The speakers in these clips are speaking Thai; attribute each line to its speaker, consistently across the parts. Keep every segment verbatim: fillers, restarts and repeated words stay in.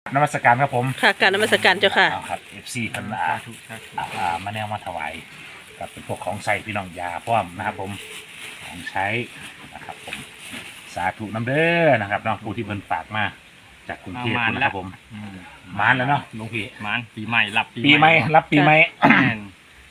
Speaker 1: นมัสการครับผม
Speaker 2: ค่ะการนมัสการเจ้าค่ะ
Speaker 1: เอาครับเอฟซีพันอาอ่ามาแนวมาถวายกับเป็นพวกของใส่พี่น้องยาพร้อมนะครับผมของใช้นะครับผมสาธุน้ำเด้อนะครับน้องผู้ที่เพิ่นฝากมาจากกรุงเทพนะครับผมมานแล้วเนาะหลวงพี่
Speaker 3: มานปีใหม่รับ
Speaker 1: ปีใหม่รับปีใหม่
Speaker 3: แม่น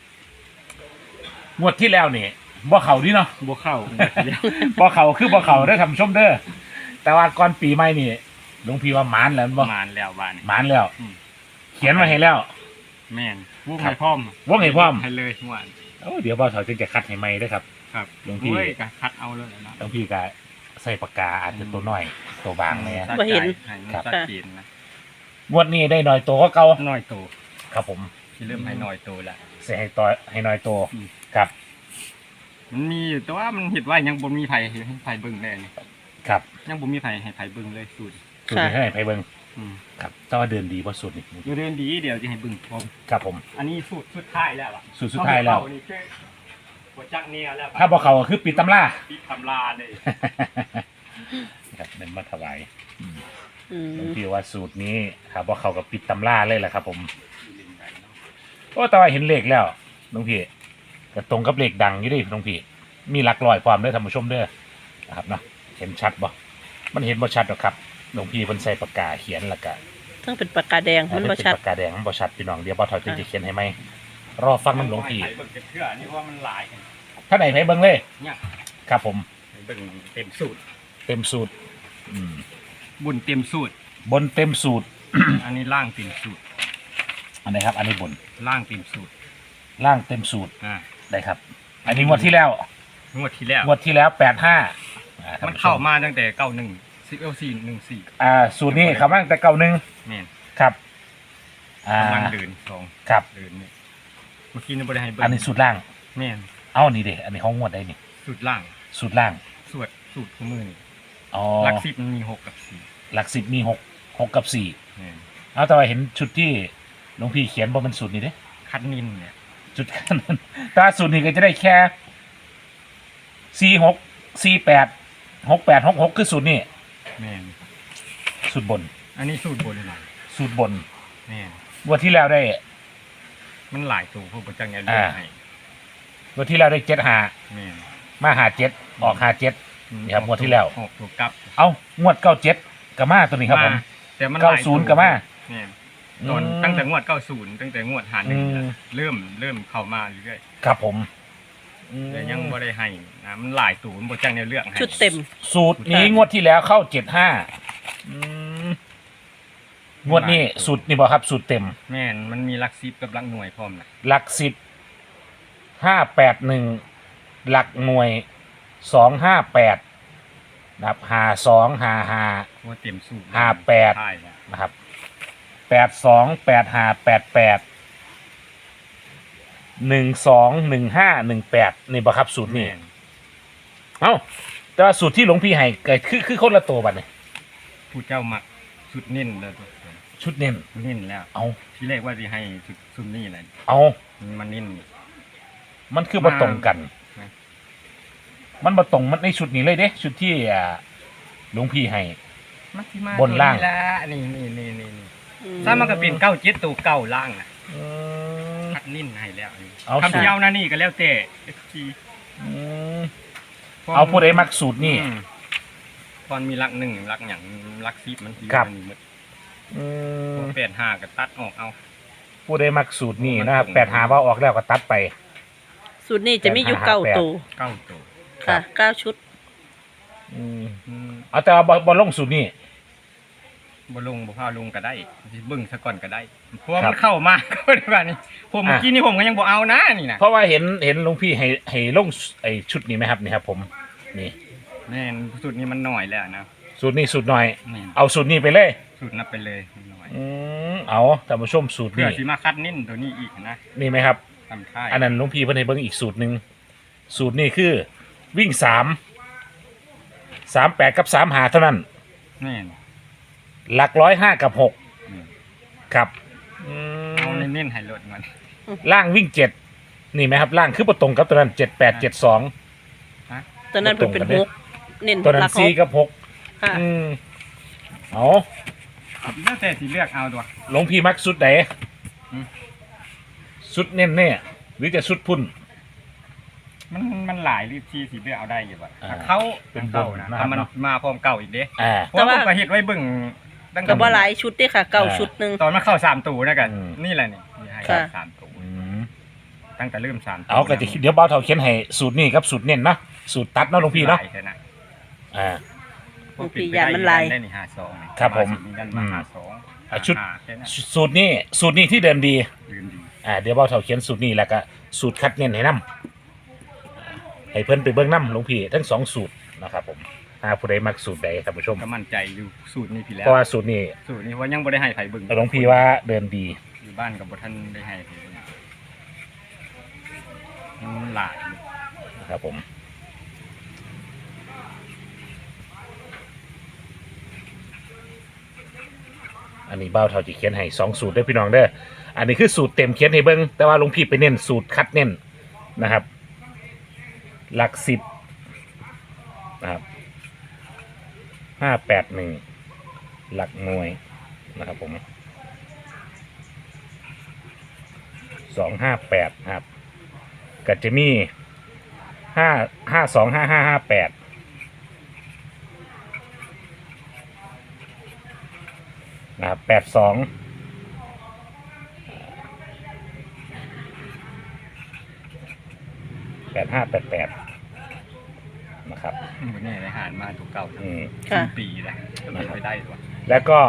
Speaker 1: งวดที่แล้วนี่บ่เขาดิเนาะ
Speaker 3: บ่เข้า
Speaker 1: บ่เขาคือบ่เขาได้อทำชมเด้อแต่ว่าก่อนปีใหม่นี่หลวงพี่ว่ามานแล้วบ่
Speaker 3: มานแล้วบ้านนี่
Speaker 1: มานแล้ว
Speaker 3: อืม
Speaker 1: เขียนมาให้แล้ว
Speaker 3: แม่นวงให้พร้อม
Speaker 1: วงให้พร้อม
Speaker 3: ให้เลยหวาน
Speaker 1: โอ้เดี๋ยวบ่าวเฒ่าจึงจะคัดให้ใหม่เด้อครับ
Speaker 3: ครับ
Speaker 1: หลวงพี่
Speaker 3: โอ้ยก็คัดเอาเลยนะ
Speaker 1: หลวงพี่ก็ใส่ปากกาอาจจะตัวน้อยตัวบางเนี่ย
Speaker 2: บ่เห็น
Speaker 3: ให้มัน
Speaker 1: ครับ
Speaker 3: ชัดเจนนะ
Speaker 1: งวดนี้ได้น้อยตัวก็เก่า
Speaker 3: น้อยโต
Speaker 1: ครับผม
Speaker 3: ที่เริ่มให้น้อยโตแล้ว
Speaker 1: ใส่ให้ตัวให้น้อยตัว
Speaker 3: อืม
Speaker 1: ครับ
Speaker 3: มันมีอยู่แต่ว่ามันเห็นว่ายังบ่มีไผให้ไผเบิ่งได้นี่
Speaker 1: ครับ
Speaker 3: ยังบ่มีไผให้ไผเบิ่งเลยสูตร
Speaker 1: สูตรนี้ให้ไปเบิ่ง
Speaker 3: อืม
Speaker 1: ครับแต่ว่าเดินดีเพราะสูตรนี้
Speaker 3: เดี๋ยวเดินดีเดี๋ยวจะให้เบิ่งพร้อม
Speaker 1: ครับผม
Speaker 3: อันนี้สูตรสุดท้ายแล้วอ่ะ
Speaker 1: สูตรสุดท้ายแล้ว
Speaker 3: เข้นี่คือหัวจักเนี่ยแล้ว
Speaker 1: ถ้าบ่เขาก็คือปิดตำรา
Speaker 3: ปิดตำราเลย
Speaker 1: ครับเน้นมาถวาย
Speaker 2: อื
Speaker 1: หลวง
Speaker 2: ม
Speaker 1: พี่ว่าสูตรนี้ครับบ่เขากับปิดตำราเลยแหละครับ ผมโอ้แต่ว่าเห็นเลขแล้วหลวงพี่ก็ตรงกับเลขดังอยู่ดิหลวงพี่มีหลักร้อยความเด้อท่านผู้ชมเด้อนะครับเนาะเห็นชัดบ่มันเห็นบ่ชัดหรอกครับหลวงพี่เพิ่นใส่ปากกาเขียนแล้วก็
Speaker 2: ทั้งเป็นปากกาแดงมันบ่
Speaker 1: เป็น
Speaker 2: ชัด
Speaker 1: ปากกาแดงมันบ่ชัดพี่น้องเดี๋ยวบ่าวเฒ่าจึงจะเขียนให้ไหมรอฟังน้ำหลวงพี่
Speaker 3: ไผเบิ่งจะเชื่อนี่ว่ามันหลาย
Speaker 1: ท่านไหนให้เบิ่งเลย
Speaker 3: เนี่ย
Speaker 1: ครับผม
Speaker 3: ให้เบิ่งเต็มสูตร
Speaker 1: เต็มสูตรอืม
Speaker 3: บุญเต็มสูตร
Speaker 1: บนเต็มสูตร
Speaker 3: อันนี้ล่างเต็มสูตร
Speaker 1: อันไหนครับ อันนี้บน
Speaker 3: ล่างเต็มสูตร
Speaker 1: ล่างเต็มสูตร
Speaker 3: อ่า
Speaker 1: ได้ครับ อันนี้งวดที่แล้ว
Speaker 3: งวดที่แล้ว
Speaker 1: งวดที่แล้วแปดห้าอ่าท่
Speaker 3: มัน
Speaker 1: ผู้ช
Speaker 3: เข้ามาตั้งแต่เก้าหนึ่งสิบเอลสี่หนึ่งสี่
Speaker 1: อ่าสูตรนี้เขามาตั้งแต่เก้าหนึ่ง
Speaker 3: แม่น
Speaker 1: ครับอ่าก
Speaker 3: ำลังเดินสอง
Speaker 1: ครับ
Speaker 3: เดินนี่เมื่อกี้นี่บริให้เบิ่ง
Speaker 1: อันนี้สูตรล่าง
Speaker 3: แม่น
Speaker 1: เอานี่เด็อันนี้ห้องงวดได้นี่
Speaker 3: สูตรล่าง
Speaker 1: สูตรล่าง
Speaker 3: สูตรสูตรของมือนี่
Speaker 1: อ๋อ
Speaker 3: หลักสิบมันมีหกกับสี่
Speaker 1: หลักสิบมีหกหกกับสี่
Speaker 3: แม่น
Speaker 1: เอาแต่ว่าเห็นชุดที่หลวงพี่เขียนบ่เป็นสูตรนี้เด้
Speaker 3: คัดนินเนี่ย
Speaker 1: จุดกันนั้นแต่ว่าสูตรนี้ก็จะได้แค่สี่หกสี่แปดหกแปดหกหกคือสูตรนี้
Speaker 3: แม่น
Speaker 1: สูตรบน
Speaker 3: อันนี้สูตรบนหน่อย
Speaker 1: สูตรบน
Speaker 3: แม่น
Speaker 1: งวันที่แล้วได้
Speaker 3: มันหลายตัวพวกประจังไงเลื
Speaker 1: อ่า
Speaker 3: อกให้
Speaker 1: งวันที่แล้วได้เจ็ดหา
Speaker 3: แม่น
Speaker 1: มาหาเจ็ดออกหาเจ็ด นี่ครับงวดที่แล้ว
Speaker 3: หกตัวกลับ
Speaker 1: เอางวดเก้าเจ็ดกับมาตัวนี้ครับผม
Speaker 3: แต่มันห
Speaker 1: เก้า
Speaker 3: ลาย
Speaker 1: ศูนย์
Speaker 3: ตัว
Speaker 1: กับมา
Speaker 3: แม่น ตอนตั้งแต่งวดเก้าศูนย์ตั้งแต่งวดหาหนึ่ง
Speaker 1: อืม
Speaker 3: เริ่มเริ่มเข้ามาเรื่อย
Speaker 1: ครับผม
Speaker 3: ๆแต่ยังบ่ได้ให้นะมันหลายตูนย์บ่จังในเรื่องให้
Speaker 2: ชุดเต็ม
Speaker 1: สูตรนี้งวดที่แล้วเข้าเจ็ดห้างวดนี้สูตรนี่บอกครับ สูตรเต็ม
Speaker 3: แม่นมันมีหลักสิบกับหลักหน่วยพร้อมนะ
Speaker 1: หลักสิบห้าแปดหนึ่งหลักหน่วยสองห้าแปดนะครับหาสองหาหา
Speaker 3: ว่าเต็มสูตร
Speaker 1: ห้าแปด
Speaker 3: ใช่นะ
Speaker 1: นะครับแปดสองแปดห้าแปดแปดหนึ่งสองหนึ่งห้าหนึ่งแปดนี่บอกครับสูตรนี้
Speaker 3: แม่น
Speaker 1: เอ้าแต่ว่าสูตรที่หลวงพี่ให้เกิดคือคือคนละตัวบัดเนี่ย
Speaker 3: ผู้เจ้ามักชุดนิ่นเลยตัว
Speaker 1: ชุดเน้น
Speaker 3: นิ่นแล้ว
Speaker 1: เอา
Speaker 3: ที่แรกว่าสิให้ชุดซุมนี่แหละ
Speaker 1: เอา
Speaker 3: มันนิ่น
Speaker 1: มันคือมาตรงกัน
Speaker 3: นะ
Speaker 1: มันมาตรงมันในชุดนี้เลยเด้ชุดที่อ่าหลวงพี่ให้
Speaker 3: มันสิมา
Speaker 1: บนล่าง
Speaker 3: ตัวละนี่นี่นี่นี่นี่
Speaker 2: อื
Speaker 3: ถ้ามันก็เป็นเก้าเจ็ดตัวเก้าล่างนะ
Speaker 1: อืม
Speaker 3: คัดนิ่นให้แล้ว
Speaker 1: เอา
Speaker 3: คำที่เอานะนี่ก็แล้วแต่ เอฟ ซี
Speaker 1: อืมเอาผู้ใดมักสูตรนี่
Speaker 3: อืมตอนมีหลักหนึ่งหลักอย่างหลักสิบมันที
Speaker 1: ครับ
Speaker 3: มันหมด
Speaker 1: อืม
Speaker 3: แปดห้าก็ตัดออกเอา
Speaker 1: ผู้ใดมักสูตรนี่นะครับแปดหาว่าออกแล้วก็ตัดไป
Speaker 2: สูตรนี้จะมีอยู่เก้าตัว
Speaker 3: เก้าตัว
Speaker 1: ครั
Speaker 2: ค่ะ
Speaker 1: บ
Speaker 2: เก้าชุด
Speaker 1: อืม
Speaker 3: อืม
Speaker 1: เอาแต่ว่าบ่บ่ลงสูตรนี่
Speaker 3: บ่ลงบ่พาลงก็ได้สิเบิ่งซะก่อนก็ได้เพราะว่า
Speaker 1: ครั
Speaker 3: มั
Speaker 1: บ
Speaker 3: นเข้ามา ก็ได้ว่านี่ผมเมื่อกี้นี่ผมก็ยังบ่เอานะนี่นะ
Speaker 1: เพราะว่าเห็นเห็นหลวงพี่ให้ให้ลงไอ้ชุดนี้ไหมครับนี่ครับ ผมนี่
Speaker 3: แม่นสูตรนี้มันหน่อยแล้วนะ
Speaker 1: สูตรนี้สูตรหน่อย
Speaker 3: แม่น
Speaker 1: เอาสูตรนี้ไปเลย
Speaker 3: สูตรนับไปเลยมันหน่อย
Speaker 1: อืมเอาท่านผู้ชมสูตร
Speaker 3: เพื่อ
Speaker 1: นี้
Speaker 3: สิมาคัดนิ่นตัวนี้อีกนะ
Speaker 1: นี่ไหมครับ
Speaker 3: ทำท่าย
Speaker 1: อันนั้นหลวงพี่เพิ่นให้เบิ่งอีกสูตรหนึ่งสูตรนี้คือวิ่งสามสามแปดกับสามหาเท่านั้น
Speaker 3: แม่น
Speaker 1: หลักร้อยห้ากับหก
Speaker 3: อืม
Speaker 1: ครับอื
Speaker 3: เอา
Speaker 1: ม
Speaker 3: เน้นๆให้ลดมัน
Speaker 1: ล่างวิ่งเจ็ดนี่ไหมครับล่างคือประตรงกับตัวนั้นเจ็ดแปดเจ็ดสอง
Speaker 2: ตอนนั้นเป็นเป็นหกเน้น
Speaker 1: ตัวนั้
Speaker 2: หลั
Speaker 1: น
Speaker 2: กห
Speaker 1: สี่
Speaker 2: ก
Speaker 1: กับหก
Speaker 2: ค่ะ
Speaker 1: อืมเอา
Speaker 3: แล้วแต่สิเลือกเอาตัว
Speaker 1: หลวงพี่มักสุดไหน
Speaker 3: อืม
Speaker 1: สุดเน้นเนี่ยหรือจะสุดพุ่น
Speaker 3: มันมันหลายรีบที่สิเลือกเอาได้อยู่บ่
Speaker 1: อ่า
Speaker 3: ถ้าเขา
Speaker 1: เป็น
Speaker 3: เก่า
Speaker 1: บน
Speaker 3: นะ
Speaker 1: นะครับ
Speaker 3: ถ้ามัน
Speaker 1: เนาะ
Speaker 3: มาพร้อมเก่าอีกเด้
Speaker 1: อ่า
Speaker 3: เพราะว่าผมก็เฮ็ดไว้เบิ่งตั้ง
Speaker 2: ก็
Speaker 3: แต่
Speaker 2: บ่หลายชุดเด้ค่ะเก้าชุดหนึง
Speaker 3: ตอนมันเข้าสามตัวนะกัน
Speaker 1: อืม
Speaker 3: นี่แหละนี่ที่ให้
Speaker 2: ค่ะ
Speaker 3: สามตัว
Speaker 1: อืม
Speaker 3: ตั้งแต่เริ่มสามตัว
Speaker 1: เอาก็จะคิดเดี๋ยวเบาเท่าเขียนให้สูตรนี่ครับสูตรเน้นเนาะสูตรตัดเนาะหลวงพี่เนาะ
Speaker 3: หลยแค่นั้น
Speaker 1: อ่า
Speaker 2: หลวงพี่ยานมันลาย
Speaker 3: ได้นี่ห้าสองนี่
Speaker 1: ครับผม
Speaker 3: ยันมาห้าสอง
Speaker 1: อ่ะชุด
Speaker 3: ห้าแค่นั้น
Speaker 1: สูตรนี้สูตรนี้ที่เดิมดี
Speaker 3: ลืมดี
Speaker 1: อ่าเดี๋ยวเบาเท่าเขียนสูตรนี้แล้วก็สูตรคัดเน้นให้นํให้เพิ่นไปเบิ่งนํหลวงพี่ทั้งสองสูตรนะครับผมอ่าผู้ใดมักสูตรใดท่านผู้ชม
Speaker 3: ก็มั่นใจอยู่สูตรนี้พี่แล้
Speaker 1: เพ
Speaker 3: ว
Speaker 1: ราะว่าสูตรนี้
Speaker 3: สูตรนี้ว่ายังบ่ได้ให้ไผเบิ่ง
Speaker 1: หลวงพี่ว่าเดินดี
Speaker 3: อยู่บ้านกับบ่ทันได้ให้ไผเบิ่งมันหลายอยู่
Speaker 1: นะครับผมอันนี้เบ้าเท่าที่เขียนให้สองสูตรเด้อพี่น้องเด้ออันนี้คือสูตรเต็มเขียนให้เบิ่งแต่ว่าหลวงพี่ไปเน้นสูตรคัดเน้นนะครับ หลักสิบนะครับห้าแปดหนึ่งหลักหน่วยนะครับผมสองห้าแปดครับก็จะมีห้าห้าสองห้าห้าห้าแปดนะครับแปดสองแปดห้าแปดแปดนะครับ
Speaker 3: บ่แน่ได้หารมาถูกเก่าทั้ง
Speaker 1: อืม
Speaker 2: ค่ะ
Speaker 3: ปีแล้วจะเป็นไปได้ตัว
Speaker 1: แล้วก็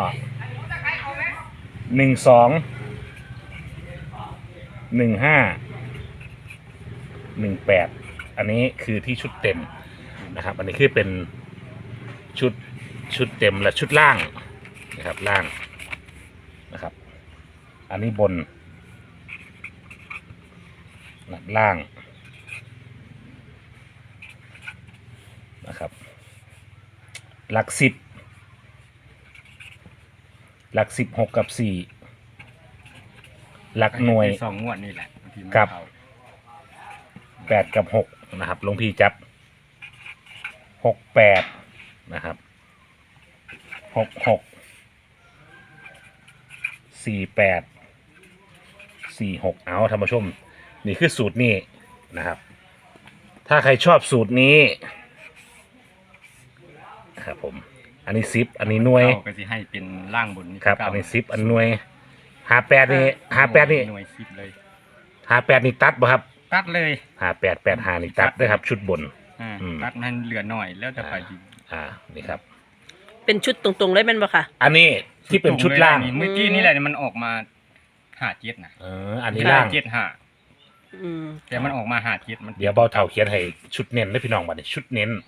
Speaker 1: หนึ่งสองหนึ่งห้าหนึ่งแปดอันนี้คือที่ชุดเต็มนะครับ อันนี้คือเป็นชุดชุดเต็มและชุดล่างนะครับล่างนะครับ อันนี้บนนะล่างนะครับหลักสิบหลักสิบหกกับสี่หลักหน่วย
Speaker 3: สองงวดนี่แหละบางทีมัน
Speaker 1: ครับ
Speaker 3: เข้า
Speaker 1: แปดกับหกนะครับหลวงพี่จับหกแปดนะครับหกหกสี่แปดสี่หกเอาท่านผู้ชม นี่คือสูตรนี้นะครับ ถ้าใครชอบสูตรนี้ครับผมอันนี้ซิปอันนี้หน่วย
Speaker 3: เข้าก็สิให้เป็นล่างบนนี่
Speaker 1: ครับ
Speaker 3: เก่า
Speaker 1: อันนี้ซิปอันหน่วยหาแปดนี่หาแปดนี่
Speaker 3: หน่วยสิบเลย
Speaker 1: หาแปดนี่ตัดบ่ครับ
Speaker 3: ตัดเลย
Speaker 1: หาแปดแปดหานี่ตัดด้วยครับ ชุดบน
Speaker 3: อ่า
Speaker 1: อืม
Speaker 3: ตัดมันเหลือหน่อยแล้วจะไปดี
Speaker 1: อ่านี่ครับ
Speaker 2: เป็นชุดตรงๆเลยแม่นบ่ค่ะ
Speaker 1: อันนี้ที่เป็นชุดล่าง
Speaker 3: เมื่อกี้นี่แหละมันออกมาหาเจ็ดนะ
Speaker 1: เอออันนี้ล่าง
Speaker 3: เจ็ดห้า
Speaker 2: อืม
Speaker 3: แต่มันออกมาหาเจ็ดมัน
Speaker 1: เดี๋ยวเบาเท่าเขียนให้ชุดเน้นได้พี่น้องบัดนี้ชุดเน้น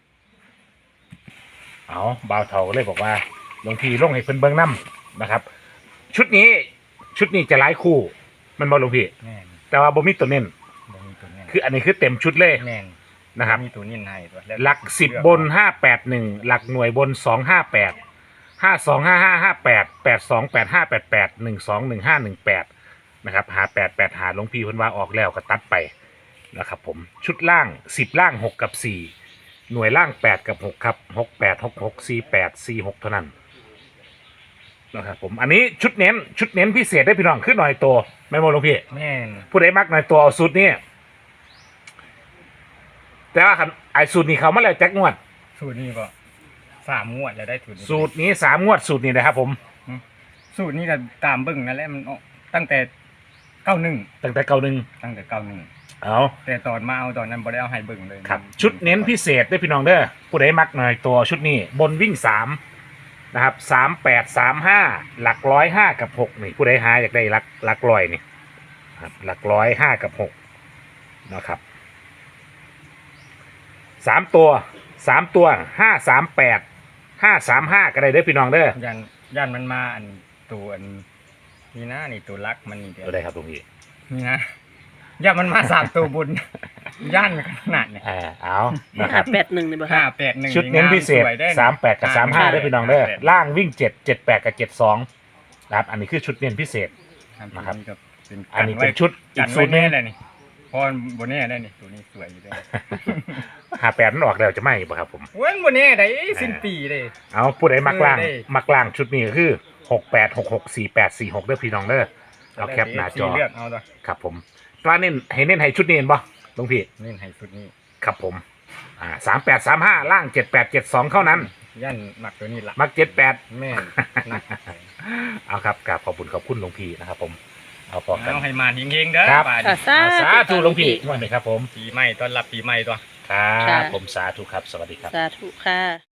Speaker 1: เอาเบาเท่าก็เลยบอกว่าหลวงพี่ลงให้เพิ่นเบิ่งน้ำนะครับ ชุดนี้ชุดนี้จะหลายคู่ มันบ่หลวงพี่
Speaker 3: แม่น
Speaker 1: แต่ว่าบ่มีตัวเน้น
Speaker 3: บ่มีตัวเน้น
Speaker 1: คืออันนี้คือเต็มชุดเลย
Speaker 3: แม่น
Speaker 1: นะครับ
Speaker 3: มีตัวเน้นให้ตัวแว
Speaker 1: หลักสิบบนห้าแปดหนึ่งหลักหน่วยบนสองห้าแปดห้าสองห้าห้าห้าแปดแปดสองแปดห้าแปดแปดหนึ่งสองหนึ่งห้าหนึ่งแปดนะครับหาแปดแปดหาหลวงพี่เพิ่นว่าออกแล้วก็ตัดไปนะครับผมชุดล่างสิบล่างหกกับสี่หน่วยล่างแปดกับหกครับหกแปดหกหกสี่แปดสี่หกเท่านั้นนะครับผมอันนี้ชุดเน้นชุดเน้นพิเศษได้พี่น้องขึ้นหน่อยตัวไม่โมหลวงพี่
Speaker 3: แม่น
Speaker 1: ผู้ใดมักหน่อยตัวเอาสูตรนี้แต่ว่าคันไอ้สูตรนี้เขามาแล้วแจ็คงวด
Speaker 3: สูตรนี้ก็สามงวดแล้วได้สูตรนี้
Speaker 1: สูตรนี้สามงวดสูตรนี้นะครับผม
Speaker 3: สูตรนี้ก็ตามเบิ่งนั่นแหละมันออกตั้งแต่เก้าหนึ่ง
Speaker 1: ตั้งแต่เก่าหนึ่ง
Speaker 3: ตั้งแต่เก้าหนึ่ง
Speaker 1: เอา
Speaker 3: แต่ตอนมาเอาตอนนั้นบ่ได้เอาให้เบิ่งเลย
Speaker 1: ครับชุดเน้นพิเศษได้อพี่น้องเด้อผู้ใดมักหน่อยตัวชุดนี้บนวิ่งสามนะครับสามแปดสามห้าหลักร้อยห้ากับหกนี่ผู้ใดหาอยากได้หลักหลักร้อยนี่ครับหลักร้อยห้ากับหกนะครับสามตัวสามตัวห้าสามแปดห้าสามห้าก็ได้เด้อพี่น้องเด้อ
Speaker 3: ยันยันมันมาอันตัวอันนี่นะนี่ตัวรักมันนี่เดียว
Speaker 1: ก็ได้ครับตรงนี้
Speaker 3: นี่นะยันมันมาสามตัวบุญย่านขนาดเนี่ย
Speaker 1: อ่าเอานะครับ
Speaker 2: แปดหนึ่งนี่บ่
Speaker 3: ห้า
Speaker 2: ค่ะ
Speaker 3: แปดหนึ่ง
Speaker 1: ชุดเน้นพิเศษ
Speaker 3: สวยได้
Speaker 1: สามแปดกับสามห้าได้อพี่น้องเด้อล่างวิ่งเจ็ดเจ็ดแปดกับเจ็ดสองนะครับอันนี้คือชุดเน้นพิเศษ นะครับ
Speaker 3: นี่ก็เป็น
Speaker 1: อันนี้เป็นชุดอี
Speaker 3: จั
Speaker 1: ก
Speaker 3: น
Speaker 1: สู
Speaker 3: ไว้
Speaker 1: ตรหนึ
Speaker 3: แน่
Speaker 1: ง
Speaker 3: เลยนี่เพราะบนแน่ได้นี่ตัวนี้สวยอยู่ด้วย
Speaker 1: หาแปดมันออกแล้วจะไม่ป่ะครับผม
Speaker 3: เว้นบนแน่ได้สิ้นปีเลย
Speaker 1: เอาผู้ใดมักล่าง
Speaker 3: เออได้
Speaker 1: มักล่างชุดนี้ก็คือหกแปดหกหกสี่แปดสี่หกเด้อพี่น้องเด้อเอาแคปหน้าจอ
Speaker 3: เลือกเอาตัว
Speaker 1: ครับผมตัวเน้นให้เน้นให้ชุดนี้เห็นบ่หลวงพี่
Speaker 3: นี่ให้ชุดนี้
Speaker 1: ครับผมอ่าสามแปดสามห้าล่างเจ็ดแปดเจ็ดสองเท่านั้น
Speaker 3: ย่านหมักตัวนี้ละ
Speaker 1: มักเจ็ดแปด
Speaker 3: แม่นหนัก
Speaker 1: เอาครับกราบขอบคุณขอบคุณหลวงพี่นะครับผมเอาพอกัน
Speaker 3: เอาให้มาเฮงๆเด้อ
Speaker 1: ครับ
Speaker 3: บาด
Speaker 2: ค่ะ
Speaker 3: นี้
Speaker 2: สา
Speaker 1: อ่าสาธุหลวงพี่
Speaker 2: ค่ะ
Speaker 1: ว่าไหมครับผม
Speaker 3: ปีใหม่ต้อนรับปีใหม่ตัว
Speaker 1: ครั
Speaker 2: ค่ะ
Speaker 1: บผมสาธุครับสวัสดีครับ
Speaker 2: สาธุค่ะ